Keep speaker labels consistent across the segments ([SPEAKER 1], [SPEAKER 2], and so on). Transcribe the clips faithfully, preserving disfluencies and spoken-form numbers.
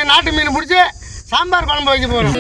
[SPEAKER 1] நாட்டு மீன் பிடிச்சி சாம்பார் குழம்பு வைக்க போகிறோம்.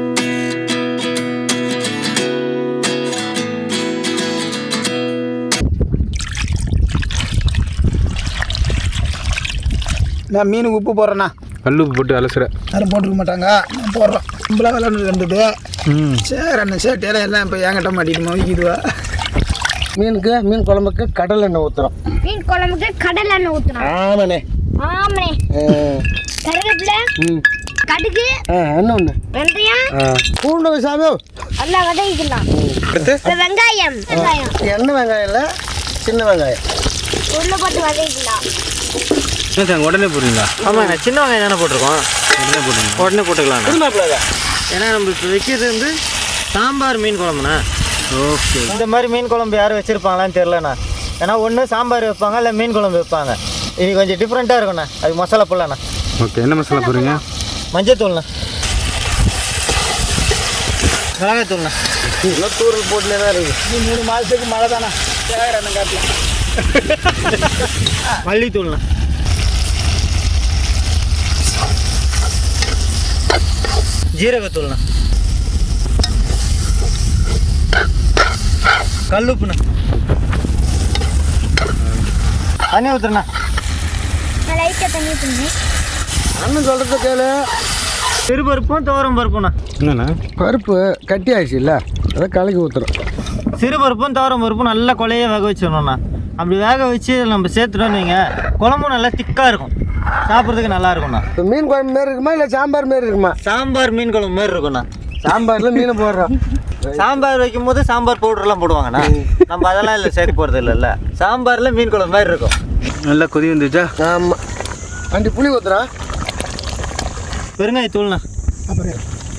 [SPEAKER 2] நான் மீனுக்கு உப்பு போடுறேண்ணா.
[SPEAKER 3] கல் உப்பு போட்டு அலசுறேன்.
[SPEAKER 2] யாரும் போட்டுக்க மாட்டாங்க, நான் போடுறேன். நம்மளாம் விளாண்டு இருந்தது. ம் சரி அண்ணன் சேட்டையெல்லாம் எல்லாம் இப்போ என்கிட்ட மாட்டிட்டு வைக்கிதுவா.
[SPEAKER 1] மீனுக்கு மீன் குழம்புக்கு கடல் எண்ணெய் ஊற்றுறோம்.
[SPEAKER 4] மீன் குழம்புக்கு கடல் எண்ணெய் ஊற்றுறோம்.
[SPEAKER 1] ஆமாண்ணே.
[SPEAKER 4] ஆமாண்ணே. கருவேப்பிலை, கடுகு,
[SPEAKER 1] என்ன ஒன்று
[SPEAKER 4] வெந்தயம்,
[SPEAKER 1] பூண்டு சாமி
[SPEAKER 4] எல்லாம் வதக்கிக்கலாம். வெங்காயம் வெங்காயம்
[SPEAKER 1] எண்ணெய் வெங்காயம் இல்லை, சின்ன வெங்காயம்
[SPEAKER 4] உள்ள போட்டு வதக்கிக்கலாம்.
[SPEAKER 3] உடனே போடுறீங்களா?
[SPEAKER 5] ஆமாங்க, சின்ன வெங்காயம் தானே போட்டிருக்கோம். உடனே போட்டுங்க. உடனே போட்டுக்கலாம். ஏன்னா நம்ம இப்போ வைக்கிறது வந்து சாம்பார் மீன் குழம்புண்ணா. ஓகே. இந்த மாதிரி மீன் குழம்பு யாரும் வச்சுருப்பாங்களான்னு தெரிலண்ணா. ஏன்னா ஒன்று சாம்பார் வைப்பாங்க, இல்லை மீன் குழம்பு வைப்பாங்க. இது கொஞ்சம் டிஃப்ரெண்ட்டாக இருக்குண்ணா. அது மசாலா போடலாண்ணா.
[SPEAKER 3] ஓகே. என்ன மசாலா போடுறீங்க?
[SPEAKER 5] மஞ்சத்தூள்ண்ணா, மிளகாத்தூள்ண்ணா.
[SPEAKER 1] இன்னும் தூரல் போட்டுனே தான் இருக்குது.
[SPEAKER 2] மூணு மாதத்துக்கு மழை தானே சேகரண்ணன் காட்டலாம்.
[SPEAKER 5] மல்லித்தூள்ண்ணா, ஜீரகத்தூள்ண்ணா, கல்லுப்புண்ணா, தண்ணி ஊற்றுண்ணா.
[SPEAKER 4] லைட்டாக தண்ணி ஊற்றுங்க.
[SPEAKER 1] அண்ணன் சொல்கிறது கேளு.
[SPEAKER 5] சிறுபருப்பும் துவரம் பருப்புண்ணா.
[SPEAKER 3] என்னண்ணா?
[SPEAKER 1] பருப்பு கட்டி ஆயிடுச்சு இல்லை, அதை கலக்கி ஊற்றுறோம்.
[SPEAKER 5] சிறுபருப்பும் துவரம் பருப்பும் நல்லா கொலைய வேக வச்சிடணும்ண்ணா. அப்படி வேக வச்சு நம்ம சேர்த்துட்டோன்னு வைங்க, குழம்பும் நல்லா திக்காக இருக்கும், சாப்பிட்றதுக்கு நல்லா இருக்கும்ண்ணா.
[SPEAKER 1] இப்போ மீன் குழம்பு மாரி இருக்குமா இல்லை சாம்பார் மாரி இருக்குமா?
[SPEAKER 5] சாம்பார் மீன் குழம்பு மாரி இருக்கும்ண்ணா.
[SPEAKER 1] சாம்பாரில் மீனை போடுறோம்.
[SPEAKER 5] சாம்பார் வைக்கும் போது சாம்பார் பவுடர்லாம் போடுவாங்கண்ணா. நம்ம அதெல்லாம் இல்லை சேர்க்க போகிறது இல்லைல்ல. சாம்பாரில் மீன் குழம்பு மாதிரி இருக்கும்.
[SPEAKER 3] நல்லா கொதி வந்துச்சா?
[SPEAKER 1] ஆமாம். அண்டி புளி ஊற்றுறோம்.
[SPEAKER 5] பெருங்காயத்தூள்ண்ணா.
[SPEAKER 2] அப்புறம்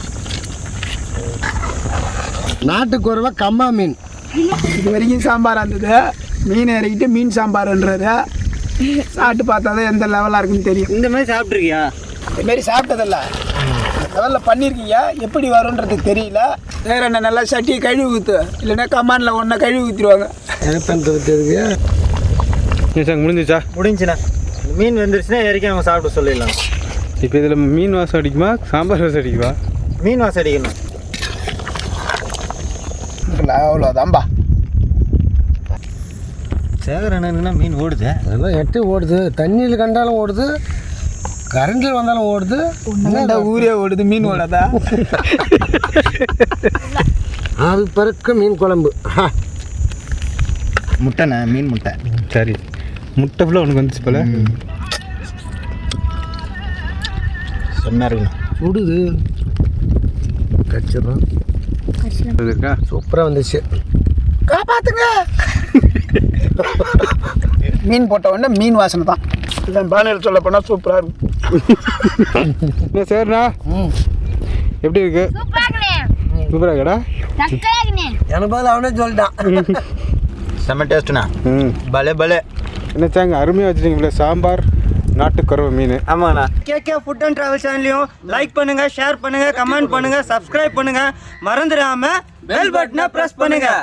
[SPEAKER 1] நாட்டுக்குறவா கம்மா மீன்.
[SPEAKER 2] இது வரைக்கும் சாம்பாராக இருந்தது. மீன் இறக்கிட்டு மீன் சாம்பார்ன்றாரு. சாப்பிட்டு பார்த்தா தான் எந்த லெவலாக இருக்குன்னு தெரியும்.
[SPEAKER 5] இந்த மாதிரி சாப்பிட்ருக்கியா?
[SPEAKER 2] இதுமாரி சாப்பிட்டதில்ல, லெவலில் பண்ணியிருக்கீங்க. எப்படி வரும்ன்றது தெரியல. வேற என்ன நல்லா சட்டியை கழுவி ஊற்று, இல்லைன்னா கமானில் ஒன்றா கழுவி ஊற்றிடுவாங்க.
[SPEAKER 1] எனக்கு
[SPEAKER 3] சார் முடிஞ்சிச்சா?
[SPEAKER 5] முடிஞ்சுண்ணா. மீன் வந்துருச்சுன்னா இறக்கி நம்ம சாப்பிட்டு சொல்லிடலாம்.
[SPEAKER 3] இப்போ இதில் மீன் வாசம் அடிக்குமா சாம்பார் வாசம் அடிக்குமா?
[SPEAKER 5] மீன் வாசம் அடிக்கணும்.
[SPEAKER 2] அவ்வளோதான்பா.
[SPEAKER 5] சேகரண்ணா மீன் ஓடுது.
[SPEAKER 1] அதெல்லாம் எட்டு ஓடுது, தண்ணியில் கண்டாலும் ஓடுது, கரண்டில் வந்தாலும் ஓடுது.
[SPEAKER 2] என்னடா ஊரே ஓடுது, மீன் ஓடாதா?
[SPEAKER 1] ஆவி பறக்க மீன் குழம்பு.
[SPEAKER 5] முட்டைண்ணா, மீன் முட்டை.
[SPEAKER 3] சரி, முட்டை ஃபுல்லாக உனக்கு வந்துச்சு போல.
[SPEAKER 5] செம்மையாக இருக்குண்ணா.
[SPEAKER 1] சுடுது, கச்சிடும்.
[SPEAKER 3] இருக்கா?
[SPEAKER 1] சூப்பராக வந்துச்சு.
[SPEAKER 2] காப்பாத்துங்க. மீன் போட்ட உடனே மீன் வாசனை தான். இதான் பானையில் சொல்ல போனால் சூப்பராக இருக்கும்.
[SPEAKER 3] என்ன சரிண்ணா? எப்படி இருக்கு? சூப்பராக இருக்கடா.
[SPEAKER 1] எனக்கு பதில் அவனே சொல்லிட்டான்.
[SPEAKER 5] செம்ம டேஸ்ட்டுண்ணா.
[SPEAKER 3] ம்
[SPEAKER 5] பலே பலே.
[SPEAKER 3] என்ன சாங்க அருமையாக வச்சுருக்கீங்களே சாம்பார் நாட்டுக்குறவை மீன்.
[SPEAKER 5] ஆமாண்ணா. கேகே ஃபுட் அண்ட் ட்ராவல் சேனலையும் லைக் பண்ணுங்கள், ஷேர் பண்ணுங்கள், கமெண்ட் பண்ணுங்கள், சப்ஸ்கிரைப் பண்ணுங்கள். மறந்துடாமல் பெல் பட்டனை ப்ரெஸ் பண்ணுங்கள்.